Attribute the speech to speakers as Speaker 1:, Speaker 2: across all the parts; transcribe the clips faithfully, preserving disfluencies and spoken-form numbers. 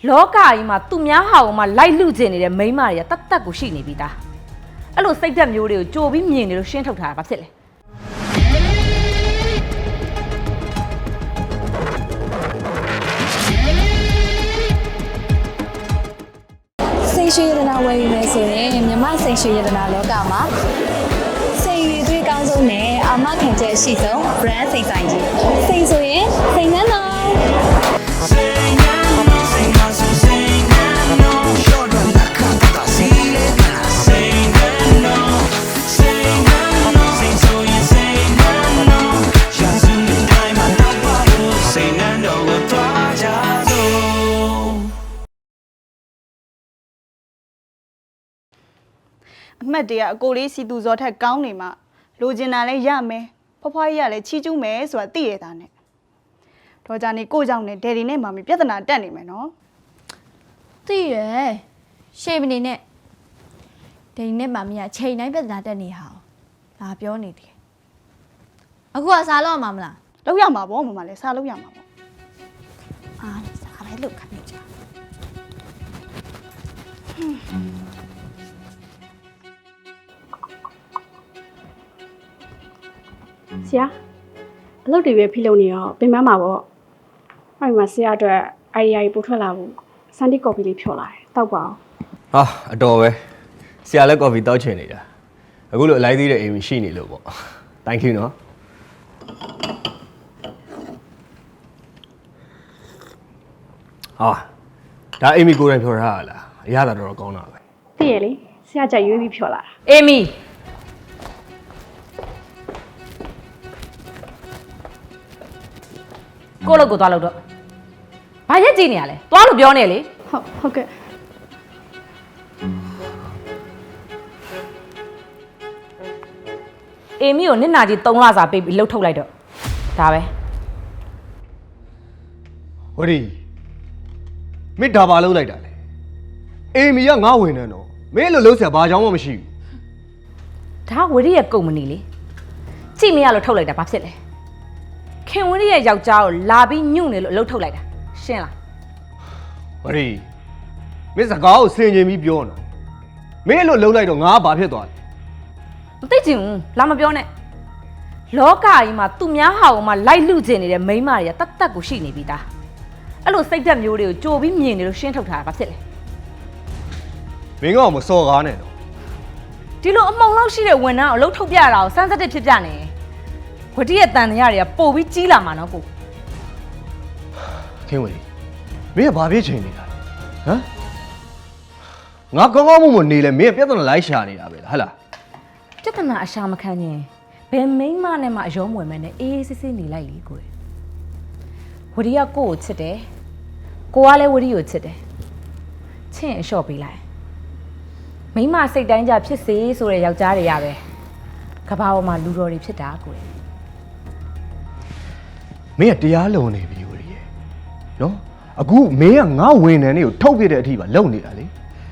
Speaker 1: လောကကြီးမှာသူများဟာအောင်မှလိုက်လူကျင်နေတဲ့မိန်းမတွေကတတ်တက်ကိုရှိနေပြီသားအဲ့လိုစိတ်သက်မျိုးတွေကိုကြိုပြီးမြင်နေလို့ရှင်းထုတ်ထားတာဘာဖြစ်လဲ
Speaker 2: စိတ်ရှိရတနာဝယ်ယူမယ်ဆိုရင်မြမစိတ်ရှိရတနာလောကမှာစိတ်ရည်သွေးကောင်းဆုံးနဲ့အာမခံချက်ရှိဆုံး brand စိတ်ဆိုင်ကြီးစိတ်ဆိုရင်စိတ်နှံတော်
Speaker 3: အမှတ်တရအကိုလေးစီသူဇော်ထက်ကောင်းနေမှလိုချင်တာလဲရမယ်ဖွားဖွားကြီးကလည်းချီးကျူးမယ်ဆိုတာသိရတာနဲ့တော့ကြနေကိုကြောင့်နဲ့ဒယ်ဒီနဲ့မာမီပြဿနာတက်နေမယ်နော်
Speaker 4: သိရရှေ့မနေနဲ့ဒိန်နဲ့မမီးကချိန်တိုင်းပြဿနာတက်နေဟာလာပြောနေတယ်အခုကစားလို့ရမှာမလား
Speaker 3: လောက်ရမှာပေါ့မမလည်းစားလို့ရမှာပေါ့
Speaker 4: အာစားပဲလို့ခိုင်းကြ
Speaker 5: ဆရာအလုပ်တွေပဲဖိလုပ်နေရောပင်ပန်းမှာပေါ့ဟိုမှာဆရာအတွက် idea ကြီးပို့ထွက်လာဘူးစန်တီကော်ဖီလေးဖြော်လာတယ်တောက်ပါအောင်
Speaker 6: ဟာအတော်ပဲဆရာလည်းကော်ဖီတောက်ချင်နေတာအခုလိုအလိုက်သေးတဲ့အိမ်ရှိနေလို့ပေါ့ thank you နော်ဟာဒါအိမ်မီကိုယ်တိုင်ဖြော်ထားရလားအရသာတော်တော်ကောင်းတာပဲ
Speaker 5: သိရလေဆရာကြိုက်ရွေးပြီးဖြော်လာတာ
Speaker 1: အေမီကိုလို့ကိုသွားလို့တော့ဘာရက်ကြည့်နေရလဲသွားလို့ပြောနေလေ
Speaker 5: ဟုတ်ဟုတ်ကဲ့
Speaker 1: အေမီကိုနစ်နာကြီးသုံးလစာပေးပြီးလှုပ်ထုတ်လိုက်တော့ဒါပဲ
Speaker 6: ဝရီမင်းဒါပါလုံးလိုက်တာလေအိမ်မီကငါဝင်နေတော့မင်းလိုလုံးဆရာဘာကြောင်းမှမရှိဘူး
Speaker 1: ဒါဝရီရဲ့ကုမ္ပဏီလေကြည့်မရလို့ထုတ်လိုက်တာဘာဖြစ်လဲခင်ဝရီရဲ့ယောက်ျားကိုလာပြီးညှို့နေလို့အလုပ်ထုတ်လိုက်တာရှင်းလား
Speaker 6: ဝရီမင်းစကားကိုဆင်ခြင်ပြီးပြောနော်မင်းလိုလုံးလိုက်တော့ငါဘာဖြစ်သွားလဲ
Speaker 1: မသိချင်ဘူးလာမပြောနဲ့လောကကြီးမှာသူများဟာအောင်မှလိုက်လူကျင်နေတဲ့မိန်းမတွေကတတ်တက်ကိုရှိနေပြီသားအဲ့လိုစိတ်သက်မျိုးတွေကိုကြိုပြီးမြင်နေလို့ရှင်းထုတ်ထားတာဘာဖြစ်လဲ
Speaker 6: မင်းကောင်မစော်ကားနဲ့တော့
Speaker 1: ဒီလိုအမုံလောက်ရှိတဲ့ဝန်ထမ်းကိုအလုပ်ထုတ်ပြတာကိုစမ်းစစ်တစ်ဖြစ်ပြနေဝတီရဲ့တန်တရားတွေကပို့ပြီးကြီးလာမှာနော်ကို
Speaker 6: ခင်ဝရီမင်းကဘာဖြစ်ချင်နေတာလဲဟမ်ငါကောင်းကောင်းမွန်မွန်နေလဲမင်းကပြဿနာလိုက်ရှာနေတာပဲလားဟဟလား
Speaker 1: ပြဿနာအရှာမခံရင်ဘယ်မိန်းမနဲ့မှအယောမွေမဲနဲ့အေးအေးဆေးဆေးနေလိုက်လေကိုဝတီကကိုကိုချစ်တယ်ကိုကလည်းဝတီကိုချစ်တယ်ချင့်အလျှော့ပေးလိုက်မိန်းမစိတ်တိုင်းကြဖြစ်စေဆိုတဲ့ယောက်ျားတွေရပဲကဘာပေါ်မှာလူတော်တွေဖြစ်တာကို
Speaker 6: မင်းကတရားလုံနေပြီဝရီရဲ့နော်အခုမင်းကငါဝန်ထမ်းတွေကိုထုတ်ပြတဲ့အထိပါလုံနေတာလေ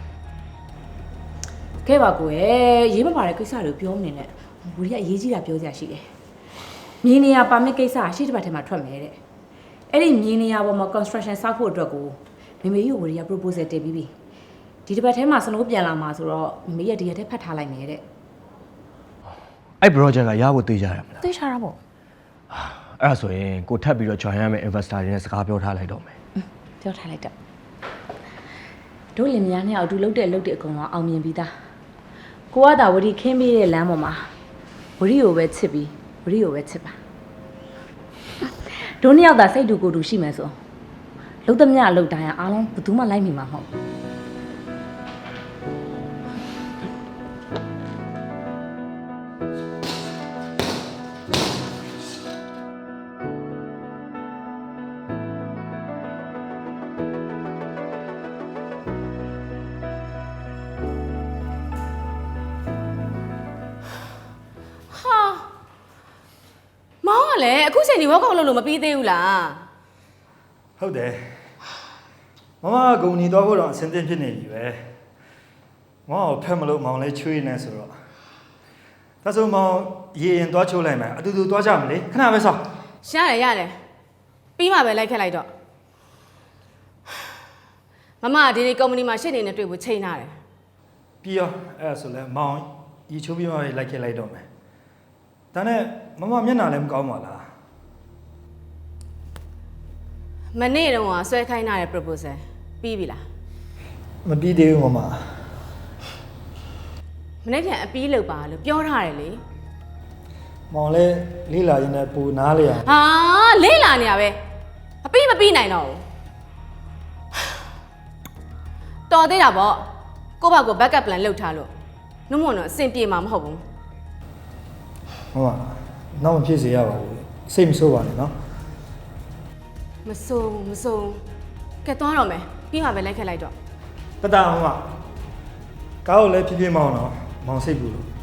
Speaker 1: ခဲ့ပါကိုရဲ့ရေးမပါတဲ့ကိစ္စတွေပြောမနေနဲ့ဝရီကအရေးကြီးတာပြောစရာရှိတယ်မြင်းနေရပါမစ်ကိစ္စရှေ့တစ်ပတ်ထဲမှာထွက်မယ်တဲ့အဲ့ဒီမြင်းနေရပေါ်မှာ construction ဆောက်ဖို့အတွက်ကိုမေမေကြီးကိုဝရီက proposal တင်ပြီးပြီဒီတစ်ပတ်ထဲမှာစနိုးပြန်လာမှာဆိုတော့မေမေရဲ့ဒီရက်ထဲဖတ်ထားလိုက်မယ်တဲ့
Speaker 6: အဲ့ project ကရဖို့သိကြရမလား
Speaker 1: သိချတာပေါ့
Speaker 6: အဲ့ဒါဆိုရင်ကိုထပ်ပြီးတော့ join ရမယ့် investor တွေနဲ့စကားပြောထားလိုက်တော့မယ်
Speaker 1: ပြောထားလိုက်တော့တို့လင်မယားနဲ့အတူလုပ်တဲ့အလုပ်တွေအကုန်လုံးအောင်မြင်ပြီးသားကိုကသာဝရီခင်းပေးတဲ့လမ်းပေါ်မှာဝရီကိုပဲချစ်ပြီးဝရီကိုပဲချစ်ပါတို့နှစ်ယောက်သာစိတ်တူကိုယ်တူရှိမယ်ဆိုလုံးသမျှအလုပ်တိုင်းအားလုံးဘယ်သူမှလိုက်မိမှာမဟုတ်လေအခုချိန်ဒီဝက်ကောင်လို့လို့မပြီးသေးဘူးလား
Speaker 7: ဟုတ်တယ်မမကဂုံညီသွားဖို့တော့အဆင်သင့်ဖြစ်နေပြီပဲမမကိုဖက်မလို့မောင်လေးချွေးနေဆိုတော့ဒါဆိုမောင်ရေရင်သွားချိုးလိုက်မယ်အတူတူသွားကြမလေခဏပဲဆော
Speaker 1: ရတယ်ရတယ်ပြီးမှပဲလိုက်ခက်လိုက်တော့မမဒီနေ့ကုမ္ပဏီမှာရှစ်နေနဲ့တွေ့ဖို့ချိန်ထားတယ်
Speaker 7: ပြီးရောအဲ့ဒါဆိုလဲမောင်ရီချိုးပြီးမှလိုက်ခဲ့လိုက်တော့မယ်ဒါနဲ့မမမျက်နှာလည်းမကောင်းပါလား
Speaker 1: မနေ့တုန်းကဆွဲခိုင်းထားတဲ့ proposal ပြီးပြီလား
Speaker 7: မပြီးသေးဘူးမမ
Speaker 1: မနေ့ပြန်အပြီးလုပ်ပါလို့ပြောထားတယ်လေ
Speaker 7: မောင်လည်းလေးလာရင်းနဲ့ပူနားလေအောင်
Speaker 1: ဟာလေးလာနေရပဲအပြီးမပြီးနိုင်တော့ဘူးတော်သေးတာပေါ့ကိုယ့်ဘာကို backup plan လုပ်ထားလို့နှုတ်မွန်တော့အဆင်ပြေမှာမဟုတ်ဘူး
Speaker 7: မမနောက်မဖြစ်စေရပါဘူးစိတ်မဆိုးပါနဲ့နော်
Speaker 1: မစိုးဘူးမစိုးဘူးကဲသွားတော့မယ်ပြီးမှပဲလိုက်ခက်လိုက်တော့
Speaker 7: ပတအောင်မကားကိုလည်းဖြည်းဖြည်းမောင်းတော့မောင်စိတ်ပူလို့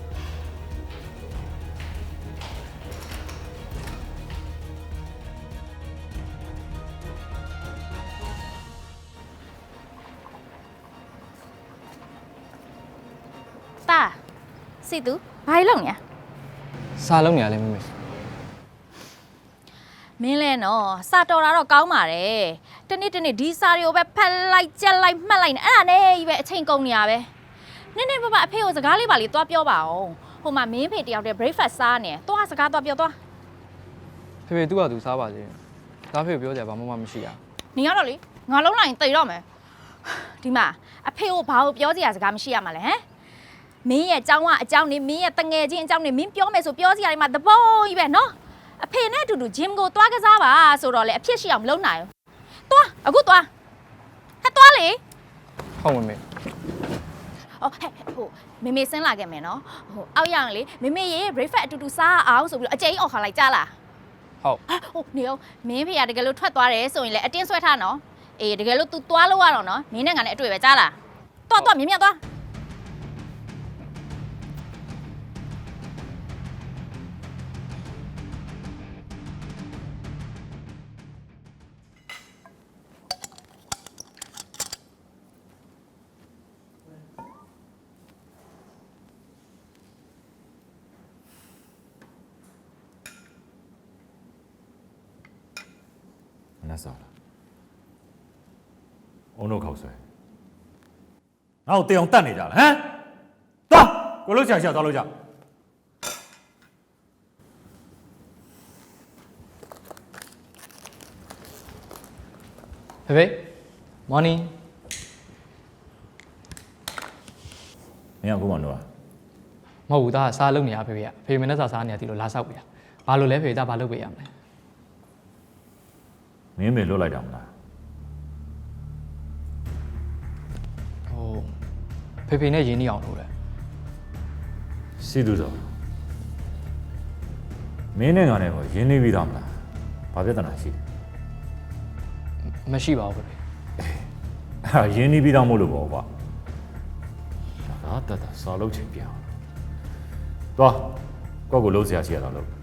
Speaker 2: တာစီတူဘာလုပ်နေ
Speaker 8: စားလုံးနေရလဲမမေ
Speaker 2: မင်းလဲနော်စာတော်တာတော့ကောင်းပါတယ်တနေ့တနေ့ဒီစာတွေကိုပဲဖက်လိုက်ကြက်လိုက်မှတ်လိုက်နေအဲ့ဒါနဲ့ကြီးပဲအချိန်ကုန်နေရပဲနည်းနည်းပပအဖေကိုစကားလေးပါလေးသွားပြောပါအောင်ဟိုမှာမင်းဖေတယောက်တည်း breakfast စားနေသွားစကားသွားပြောသွား
Speaker 8: ဖေဖေသူ့ဟာသူစားပါစေဒါဖေပြောကြဘာမှမမရှိရ
Speaker 2: နေရတော့လေငါလုံးလိုက်ရင်တိတ်တော့မယ်ဒီမှာအဖေကိုဘာလို့ပြောစရာစကားမရှိရမှာလဲဟမ်မင်းရဲ့အကြောင်းကအကြောင်းနေမင်းရဲ့တငယ်ချင်းအကြောင်းနေမင်းပြောမယ်ဆိုပြောစရာတွေမှာသဘောကြီးပဲနော်အဖေနဲ့အတူတူဂျင်ကိုသွားကစားပါဆိုတော့လေအဖြစ်ရှိအောင်မလုပ်နိုင်ဘူးသွားအခုသွားဟဲ့သွားလေ
Speaker 8: ဟုတ်မမေ
Speaker 2: အော်ဟဲ့ဟိုမေမေဆင်းလာခဲ့မယ်နော်ဟိုအောက်ရအောင်လေမေမေရဲ့ breakfast အတူတူစားအောင်ဆိုပြီးတော့အကျိန်အော်ခါလိုက်ကြလား
Speaker 8: ဟုတ်
Speaker 2: ဟိုနေအောင်မင်းဖေကတကယ်လို့ထွက်သွားတယ်ဆိုရင်လေအတင်းဆွဲထားနော်အေးတကယ်လို့ तू သွားလို့ရတော့နော်မင်းနဲ့ငါနဲ့အတွေ့ပဲကြားလားသွားသွားမြင်မြတ်သွား
Speaker 9: 那少了，我弄口水，然后电用蛋你家了，嗯，走，我楼下下找楼下。
Speaker 8: ဖေဖေ morning
Speaker 9: 你想跟我弄啊？
Speaker 8: မဟုတ်ဘူးဒါကစားလုံးနေရဖေဖေကဖေဖေမနဲ့စားစားနေရဒီလိုလာဆောက်ပြီလားဘာလို့လဲဖေဖေဒါဘာလုပ်ပေးရမလဲ
Speaker 9: 你也没落来着吗？
Speaker 8: ဟိုဖေဖေနဲ့ရင်းနှီးအောင်လုပ်တယ်
Speaker 9: စီတူတော့မင်းနဲ့ငါနဲ့ကိုရင်းနှီးပြီးသားမလားဘာပြဿနာရှိလဲ
Speaker 8: မရှိပါဘူးဖေဖေ
Speaker 9: အဲ့ရင်းနှီးပြီးသားမို့လို့ပေါ့ကွာဒါတတ်တာစာလုံးချိန်ပြအောင်သွားကိုယ့်ကိုလုံးစရာရှိရတာလို့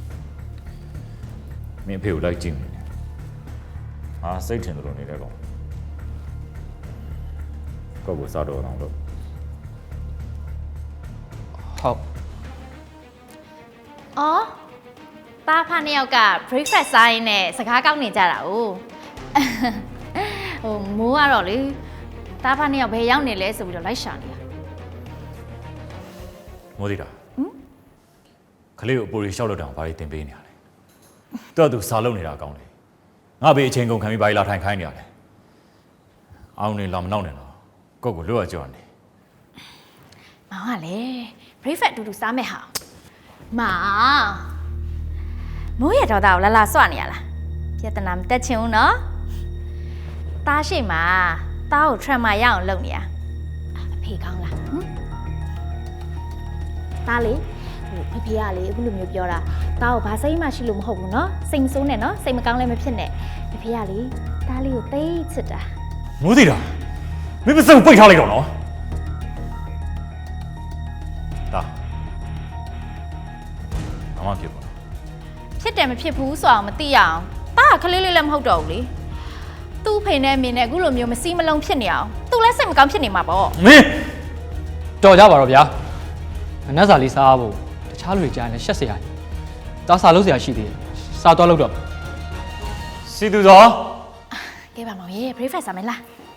Speaker 9: မင်းအဖေကိုလိုက်ကြည့်နေတယ်အာစိတ်ထင်တယ်လို့နေတယ်ကောင်ကိုယ့်ကိုစားတော့အောင်လို့
Speaker 8: ဟုတ်
Speaker 2: အော်ป้าဖာနှစ်ယောက်က breakfast စားရင်းနဲ့စကားကောက်နေကြတာ哦ဟိုမိုးကတော့လေတားဖာနှစ်ယောက်ဘယ်ရောက်နေလဲဆိုပြီးတော့လိုက်ရှာနေတာ
Speaker 9: မိုးသေးတာဟမ်ခလေးကိုအပေါ်ရီရှောက်လို့တောင်ဘာတွေတင်ပေးနေရလဲတော်သူစားလုံးနေတာကောင်းတယ်ငါဘေးအချိန်ကုန်ခံပြီးဘာလာထိုင်ခိုင်းနေရလဲအောင်နေလာမနောက်နေတော့ကိုယ့်ကိုလွတ်ရကြောနေ
Speaker 2: မောင်ကလေ breakfast တူတူစားမဲ့ဟာမောင်မိုးရတော့တာကိုလာလာစွနေရလားပြဿနာမတက်ချင်ဘူးနော်တားရှိမှာတားကို trauma ရအောင်လုပ်နေရအဖေကောင်းလားဟမ်တားလေဟိုဖေဖေကလေအခုလိုမျိုးပြောတာတားကိုဘာစိတ်မှရှိလို့မဟုတ်ဘူးနော်စိတ်မဆိုးနဲ့နော်စိတ်မကောင်းလည်းမဖြစ်နဲ့ဖေဖေကလေတားလေးကိုသိချစ်တာ
Speaker 9: မိုးသေးတာမင်းမစက်ကိုပိတ်ထားလိုက်တော့နော်ဒါအမဖြစ်ပါ
Speaker 2: ဖြစ်တယ်မဖြစ်ဘူးဆိုအောင်မသိရအောင်တားကခလေးလေးလည်းမဟုတ်တော့ဘူးလေသူ့ဖေနဲ့မင်းနဲ့အခုလိုမျိုးမစီးမလုံးဖြစ်နေအောင်သူလည်းစိတ်မကောင်းဖြစ်နေမှာပေါ့
Speaker 9: မင်း
Speaker 8: တော်ကြပါတော့ဗျာမနှက်စာလေးစားဖို့တခြားလူတွေကြားရင်ရှက်စရာဒါစားလို့စရာရှိသေးတယ်စားတော့လို့တော့
Speaker 9: စီသူသော
Speaker 2: ကဲပါမောင်ရေ breakfast စားမယ်လား